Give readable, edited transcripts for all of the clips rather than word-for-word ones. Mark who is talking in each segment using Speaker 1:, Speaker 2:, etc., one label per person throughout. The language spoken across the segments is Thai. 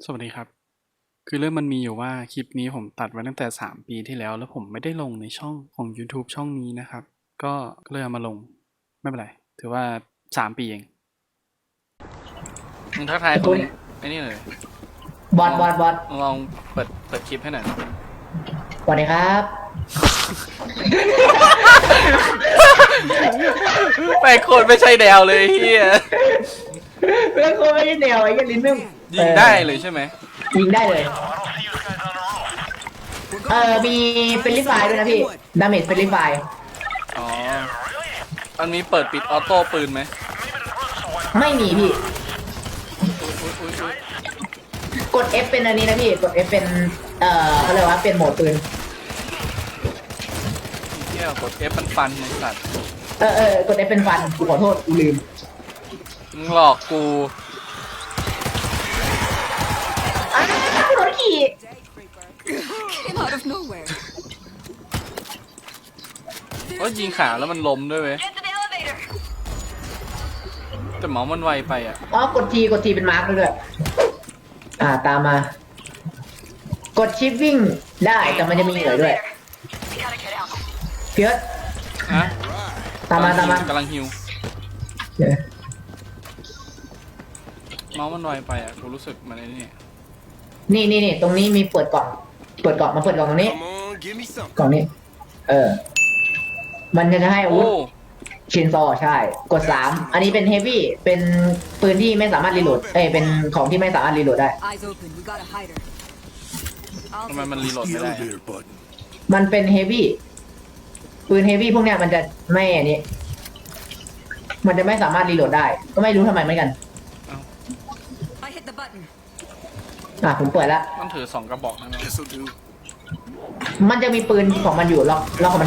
Speaker 1: สวัสดีครับคือเรื่องมันมีอยู่ว่าคลิปนี้ผมตัดไว้ตั้งแต่3 ปีที่แล้วผมไม่ได้ลงในช่องของ YouTube ช่องนี้นะครับก็เลยเอามาลงไม่เป็นไรถือว่า3 ปีเองมึงทักทายคนไอ้นี่เลย
Speaker 2: บอส
Speaker 1: ลองเปิดคลิปให้หน่อย
Speaker 2: สวัสดีครับ
Speaker 1: ไปโคตรไม่ใช่แนวเลยเฮีย
Speaker 2: เรื่องโคไม่ใช่แนวไอ้ยันลิ้นไม่
Speaker 1: ยิงได้เลยใช่ไหม
Speaker 2: ยิงได้เลยมีเฟรนลี่ไฟด้วยนะพี่ดาเมจเฟรนลี่ไฟ
Speaker 1: อ๋อมันมีเปิดปิดออโต้ปืนไหม
Speaker 2: ไม่มีพี่
Speaker 1: อุ๊ย
Speaker 2: กด F เป็นอันนี้นะพี่กด F เป็นเขาเรียกว่าเป็นโหมดปืน
Speaker 1: เฮียกด F ฟันในสัตว์
Speaker 2: กด F เป็นฟันกูขอโทษกูลืม
Speaker 1: มึงหลอกกู
Speaker 2: รถขี่
Speaker 3: Came out of nowhere.
Speaker 1: ก็ยิงขาแล้วมันล้มด้วยเว้ย
Speaker 3: Get to the elevator.
Speaker 1: แต่หมอมันไวไปอ่ะ
Speaker 2: กดทีเป็นมาร์กด้วยตามมา กดชิปวิ่งได้แต่มันจะมีเหนื่อยด้วย
Speaker 3: We gotta get out.
Speaker 2: เพียร
Speaker 1: ฮะ
Speaker 2: ตามมาก
Speaker 1: ำลังฮิวเมาส์มันไวไปอ่ะกูรู้สึกมันไอ้นี่
Speaker 2: นี่ตรงนี้มีเปิดกล่องมาเปิดกล่องตรงนี้
Speaker 4: Come on, give me some.
Speaker 2: กล่องนี้ มันจะให้อาวุธชินซอใช่ กด3อันนี้เป็นเฮฟวี่เป็นปืนที่ไม่สามารถรีโหลดเป็นของที่ไม่สามารถรีโหลดได้
Speaker 3: Eyes open. We got a hider.
Speaker 1: ทำไมมันรีโหลด
Speaker 4: The
Speaker 1: ไม่ได้อะ
Speaker 4: elevator button.
Speaker 2: มันเป็นเฮฟวี่ปืนเฮฟวี่พวกเนี้ยมันจะไม่อันนี้ มันจะไม่สามารถรีโหลดได้ ก็ไม่รู้ทำไมเหมือนกัน
Speaker 3: I hit the button.
Speaker 2: ผมเปิดแล้ว
Speaker 1: มันถือ2 กระบอกนะเนาะ
Speaker 4: This'll do.
Speaker 2: มันจะมีปืนของมันอยู่ล็อกของมัน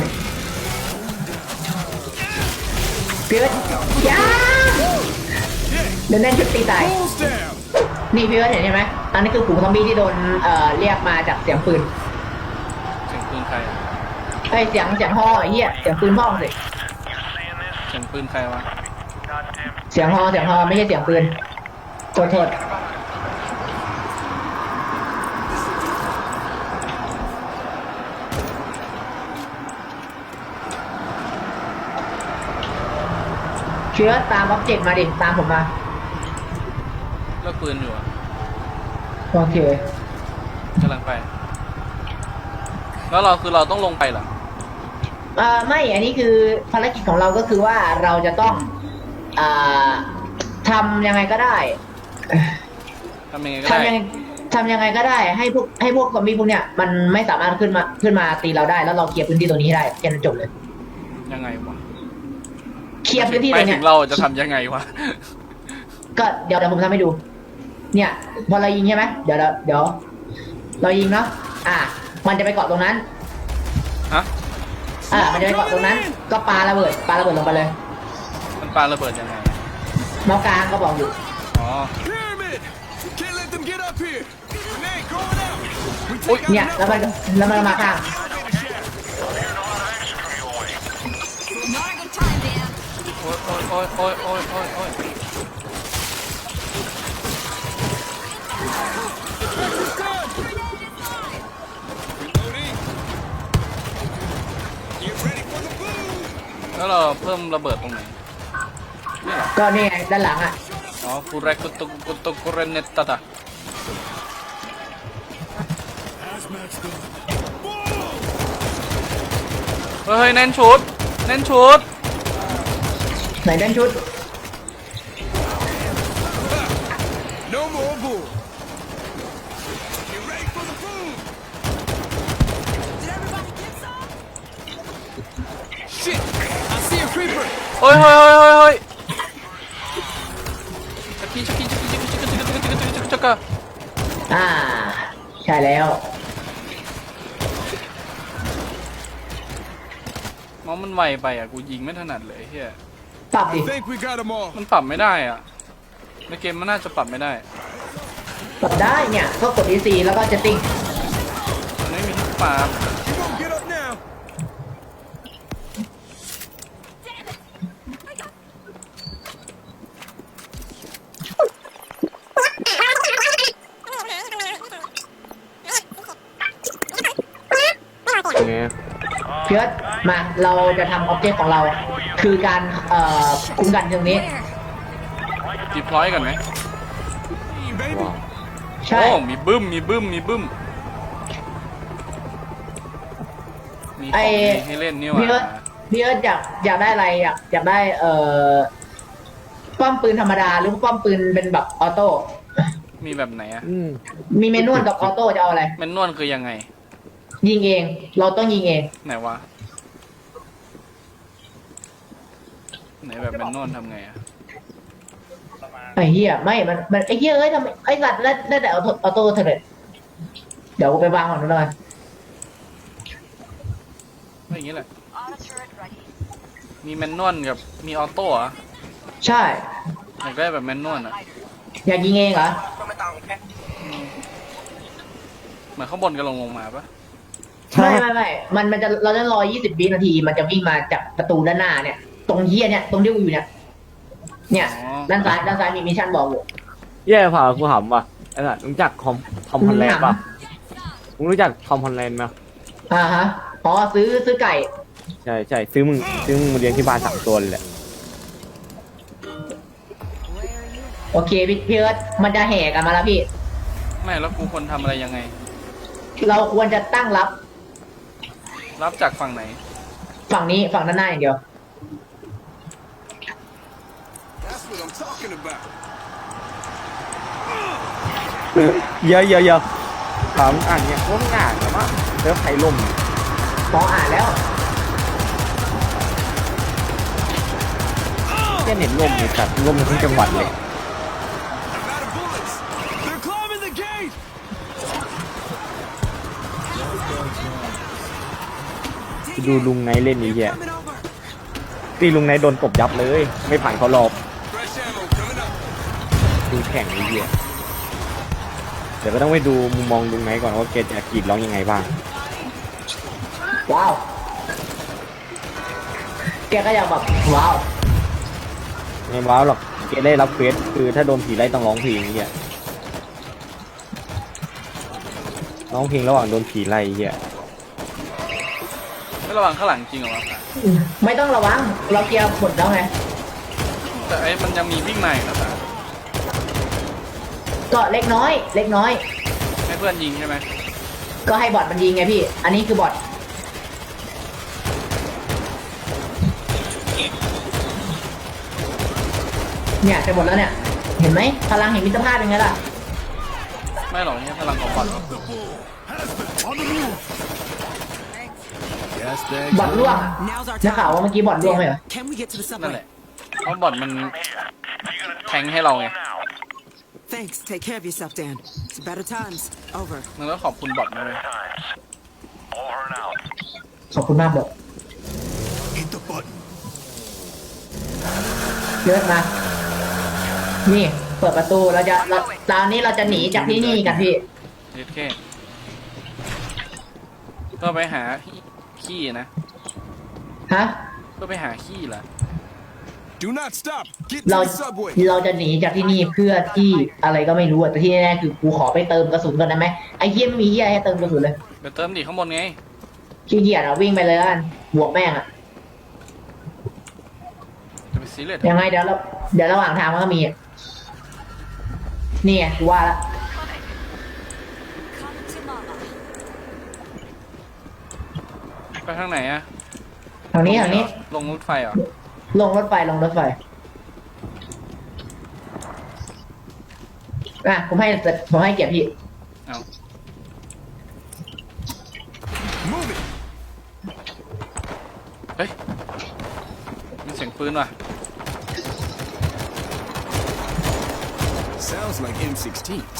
Speaker 2: เพียรย้าเดินแน่นชุดตีตาย
Speaker 4: Balls down.
Speaker 2: นี่พี่เอิร์ธเห็นไหมอันนี้คือฝูงซอมบี้ที่โดนเรียกมาจากเสียงปืน
Speaker 1: เสียงปืนใครอะ
Speaker 2: เสียงฮอไอ้เหี้ยเสียงปืนพ่อสิ
Speaker 1: เสียงปืนใครวะ
Speaker 2: เสียงฮอไม่ใช่เสียงปืนโทษเชื้อตามอ็อบเจกต์มาดิตามผมมา
Speaker 1: เลิกปืนอยู่อะ
Speaker 2: โอเค
Speaker 1: กำลังไป แล้วเราต้องลงไปเหรอ
Speaker 2: ไม่อันนี้คือภารกิจของเราก็คือว่าเราจะต้องทำยังไงก็ได้
Speaker 1: ทำยังไงก็ได้
Speaker 2: ทำยังไงก็ได้ให้พวกซอมบี้พวกเนี้ยมันไม่สามารถขึ้นมาตีเราได้แล้วเราเคลียร์พื้นที่ตรงนี้ให้ได้แค่นั้นจบเลย
Speaker 1: ยังไงวะ
Speaker 2: เคลียร์พื้นที่
Speaker 1: ไป
Speaker 2: ตรง
Speaker 1: ถึ
Speaker 2: เนี้ย
Speaker 1: งเราจะทำยังไงวะ
Speaker 2: ก็เดี๋ยวผมทำให้ดู เนี่ยพอเรายิงใช่ไหมเดี๋ยวเรายิงเนาะมันจะไปเกาะตรงนั้น
Speaker 1: ฮะ
Speaker 2: มันจะไปเกาะตรงนั้น ก็ปาระเบิดลงไปเลย
Speaker 1: มันปาระเบิดยังไง
Speaker 2: เมาส์กลางก็บอกอยู่
Speaker 1: อ๋อ
Speaker 4: Pyramid. Can't let them get up here. Grenade going out. We
Speaker 1: Ôi,
Speaker 4: take out
Speaker 2: เนี่ย
Speaker 4: the
Speaker 2: แล้วมันมาข้าง
Speaker 4: elevator shaft.
Speaker 3: Not a good time, Dan.
Speaker 1: โอ้ย
Speaker 4: Reloading. Get ready for the boom.
Speaker 1: แล้วเราเพิ่มระเบิดตรงไหนนี่เหรอ
Speaker 2: ก็นี่ไงด้านหลัง
Speaker 1: อ๋อกูเรกุตุกุเรเนตตา
Speaker 4: Hazmat's done.
Speaker 1: เฮ้ยแน่นชุด
Speaker 2: ไหนด้านชุด
Speaker 4: No more bull. Get ready for the boom.
Speaker 3: Did everybody get some?
Speaker 4: Shit. I see a creeper.
Speaker 1: เฮ้ยชักกี้
Speaker 2: ใช่แล้ว
Speaker 1: มองมันไวไปอ่ะกูยิงไม่ถนัดเลยเฮีย
Speaker 2: ปรับดิ
Speaker 4: I think we got them all.
Speaker 1: มันปรับไม่ได้อ่ะในเกมมันน่าจะปรับไม่ได้
Speaker 2: ปรับได้เนี่ยก็กด EC แล้วก็ setting
Speaker 1: มันไม่มีที่ปรับ
Speaker 4: You gonna get up now?
Speaker 3: Damn it! I got.
Speaker 2: เพิร์ดมาเราจะทำออบเจกต์ของเรา คือการคุ้มกันตรงนี้
Speaker 3: Where?
Speaker 1: ดีพลอยกันไหม
Speaker 4: Hey, baby.
Speaker 5: ว้าว
Speaker 2: ใช่
Speaker 1: โอ้มีบึ้มมีบึ้มมีบึ้มมีของดีให้เล่นนี่ห
Speaker 2: พี่เอิ
Speaker 1: ว่า
Speaker 2: ร์ธพี่เอิร์ธอยากได้อะไรอยากได้ป้อมปืนธรรมดาหรือป้อมปืนเป็นแบบออโต้
Speaker 1: มีแบบไหนอะ
Speaker 5: อืม
Speaker 2: มีเมนวลกับออโต้จะเอาอะไร
Speaker 1: แมนนวลคือยังไง
Speaker 2: ยิงเอง เราต้องยิงเอง
Speaker 1: ไหนวะไหนแบบแมนนวลทำไงอะ
Speaker 2: ไอ้เหี้ยไม่มันไอ้เหี้ยเอ้ยทำไมไอ้สัตว์ได้แต่ออโต้เถอะเดี๋ยวกูไปวางก่อนนู้นเลย
Speaker 1: ไม่อย่างงี้แหละมีแมนนวลกับมีออโต้อะ
Speaker 2: ใช่
Speaker 1: อยากได้แบบแมนนวลอะ
Speaker 2: อยากยิงเองเหรอ
Speaker 1: เหมือนข้างบนกันลงมาปะ
Speaker 2: ไม่มันจะเราจะรอ20 วินาที มันจะวิ่งมาจากประตูด้านหน้าเนี่ย ตรงเหี้ยเนี่ย ตรงที่กูอยู่เนี่ย เนี่ย ด้านซ้ายมีมิชชั่นบอกอยู่
Speaker 5: แย่ผ่ากูหำว่ะไอ้สัสรู้จักทอมฮอลแลนด์ป่ะมึงรู้จักทอมฮอลแลนด์ไหม
Speaker 2: อ่าฮะอ๋อซื้อไก่
Speaker 5: ใช่ซื้อมึงมาเลี้ยงที่บ้าน3 ตัวเลยแหละ
Speaker 2: โอเคพี่เอิร์ธมันจะแห่กันมาแล้วพี่
Speaker 1: ไม่แล้วกูควรทำอะไรยังไง
Speaker 2: เราควรจะตั้งรับ
Speaker 1: รับจากฝั่งไหน
Speaker 2: ฝั่งนี้ฝั่งด้านหน้าอย่างเดียว
Speaker 4: That's what I'm talking about.
Speaker 5: เยอะถามอ่านเนี่ยว่ามึงอ่านแต่ว่าเซิร์ฟไทยล่ม
Speaker 2: พออ่านแล้ว
Speaker 5: แค่เน็ตล่มเลยจัดล่มทั้งจังหวัดเลย
Speaker 4: I'm out of bullets. They're climbing the gate.
Speaker 5: ไปดูลุงไนท์เล่นนี่แย่
Speaker 3: Coming over.
Speaker 5: ตีลุงไนท์โดนตบยับเลย ไม่ผ่านเขารอบ
Speaker 4: Fresh ammo coming up.
Speaker 5: ดูแข่งนี่แย่เดี๋ยวก็ต้องไปดูมุมมองลุงไนท์ก่อนว่าแกจะกรีดร้องยังไงบ้าง
Speaker 2: ว้าว แกก็อยากแบบว้าว
Speaker 5: ไม่ว้าวหรอกแกได้รับเควสคือถ้าโดนผีไล่ต้องร้องเพลงนี่แย่ร้องเพลงระหว่างโดนผีไล่แย่
Speaker 1: ไม่ระวังข้างหลังจริงเหรอวะ
Speaker 2: ไม่ต้องระวัง เราเคลียร์หมดแล้วไง
Speaker 1: แต่ไอ้มันยังมีวิ่งมาอีกนะป่ะ
Speaker 2: ก็เล็กน้อย
Speaker 1: ให้เพื่อนยิงใช่ไหม
Speaker 2: ก็ให้บอทมันยิงไงพี่ อันนี้คือบอทเนี่ยจะหมดแล้วเนี่ย เห็นไหมพลังแห่งมิตรภาพเป็นไงล่ะ
Speaker 1: ไม่หรอกนี่พลังของบอล
Speaker 4: The bull has been on the move. Gas bag.
Speaker 2: บอทล่วงอะ
Speaker 3: Now's our
Speaker 2: นักข่าว
Speaker 3: time.
Speaker 2: ว่าเมื่อกี้บอทล่วงไหมเหรอ
Speaker 3: Can we get to the
Speaker 1: นั่น
Speaker 3: subway?
Speaker 1: แหละเพราะบอลมันแทงให้เราไง
Speaker 3: Thanks. Take care of yourself, Dan. It's better times. Over.
Speaker 1: มันก็ขอบคุณบอลนะเลย
Speaker 2: ขอบคุณมากบอท
Speaker 4: Hit the button.
Speaker 2: เยอะมา นี่ เปิดประตูตอนนี้เราจะหนีจากที่นี่กันพี่
Speaker 1: เด็ดแค่ก็ไปหาขี้นะ
Speaker 2: ฮะ
Speaker 1: ก็ไปหาขี้ล่ะ
Speaker 4: Do not stop. Get to
Speaker 2: เรา
Speaker 4: the subway.
Speaker 2: จะหนีจากที่นี่เพื่อที่อะไรก็ไม่รู้อะแต่ที่แน่ๆคือกูขอไปเติมกระสุนก่อนได้ไหมไอ้เหี้ยไม่มีเหี้ยให้เติมกระสุนเลย
Speaker 1: ไปเติมดิข้างบนไง
Speaker 2: ขี้เกียจอะวิ่งไปเลยละกันบวกแม่งอะ
Speaker 1: จะไปซีเรียส
Speaker 2: ยังไงเดี๋ยวระหว่างทางมันก็มีอะนี่ไงกูว่าละ
Speaker 3: Come to mama.
Speaker 1: ไปทางไหนอะ
Speaker 2: ทางนี้
Speaker 1: ลงรถไฟเหรอ
Speaker 2: ลงรถไฟอ่ะผมให้เกียรติพี่
Speaker 1: เอา
Speaker 4: Move it.
Speaker 1: เฮ้ยมีเสียงปืนว่ะ
Speaker 4: Sounds like M16s.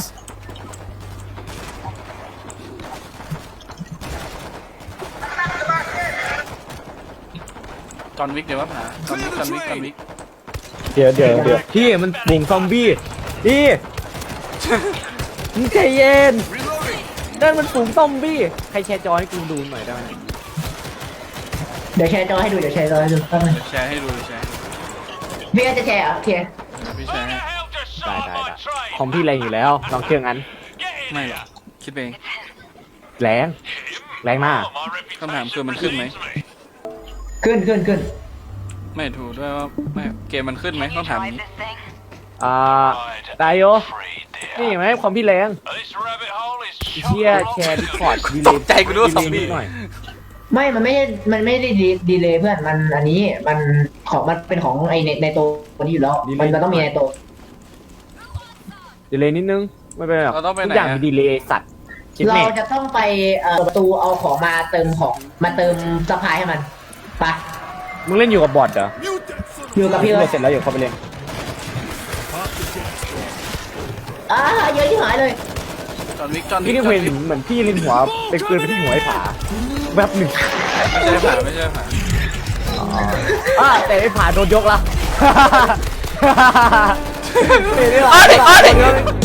Speaker 1: จอห์นวิกเดี๋ยวว่าหาจอห์นวิก
Speaker 5: เดี๋ยวพี่มันบุงซอมบี้พี่ มึงใจเย็น
Speaker 4: Reloading.
Speaker 5: นั่นมันฝูงซอมบี้ใครแชร์จอให้กูดูหน่อยได้ไหม
Speaker 2: เดี๋ยวแชร์จอให้ดูแป๊บนึง
Speaker 1: เดี๋ยวแชร์ให้ดูเดี๋ยวแชร์ให้ดู
Speaker 2: พี่จะแชร์เหรอโอเค
Speaker 1: เดี๋ยวพี่แชร์ให้
Speaker 5: ได้คอมพี่แรงอยู่แล้วลองเครื่องนั้น
Speaker 1: ไม่หรอกคิดเอง
Speaker 5: แรงแรงมาก
Speaker 1: คำถามคือมันขึ้นไหม
Speaker 2: ขึ้น
Speaker 1: ไม่ถูกด้วยว่าไม่เกมมันขึ้นไหมต้องถามนี้
Speaker 5: ได้โยนี่เห็นไหมความพี่แรงเชียแชร์ดิสคอร์ดดีเล
Speaker 1: ต
Speaker 5: ย์
Speaker 1: กใจกูด้วยซอมบี้
Speaker 5: หน่อย
Speaker 2: ไม่มันไม่ได้ดีเลยเพื่อนมันอันนี้มันเป็นของไอในตัวนี้อยู่แล้วมันต้องมีในตัว
Speaker 5: ดีเลย์นิดนึงไม่เป็นไรหรอก
Speaker 1: เราต้องไป
Speaker 5: ทุ
Speaker 1: ไหน
Speaker 5: กอย่าง
Speaker 1: อะ
Speaker 5: มีดีเลย์สัตว์คิด
Speaker 2: เรา
Speaker 5: แม่
Speaker 2: จะต้องไปประตูเอาของมาเติมสะพายให้มันไป
Speaker 5: มึงเล่นอยู่กับบอทเหรอ
Speaker 4: Mute that son of
Speaker 2: อยู่กับพี่เลย
Speaker 5: เสร็จแล้วอยู่เข้าไปเล่น
Speaker 2: เยอะที่หายเลย
Speaker 1: จอห์นวิกจอห์นวิ
Speaker 5: พี่
Speaker 1: ก
Speaker 5: นี่เห็นเหมือนพี่เล่นหัวเป็นปืนไปที่หัวไอ้ผาแวบหนึ่ง
Speaker 1: ไม่ใช่ผ่า
Speaker 5: แต่ไอ้ผาโดนยกละ
Speaker 1: อ้าวเด็ก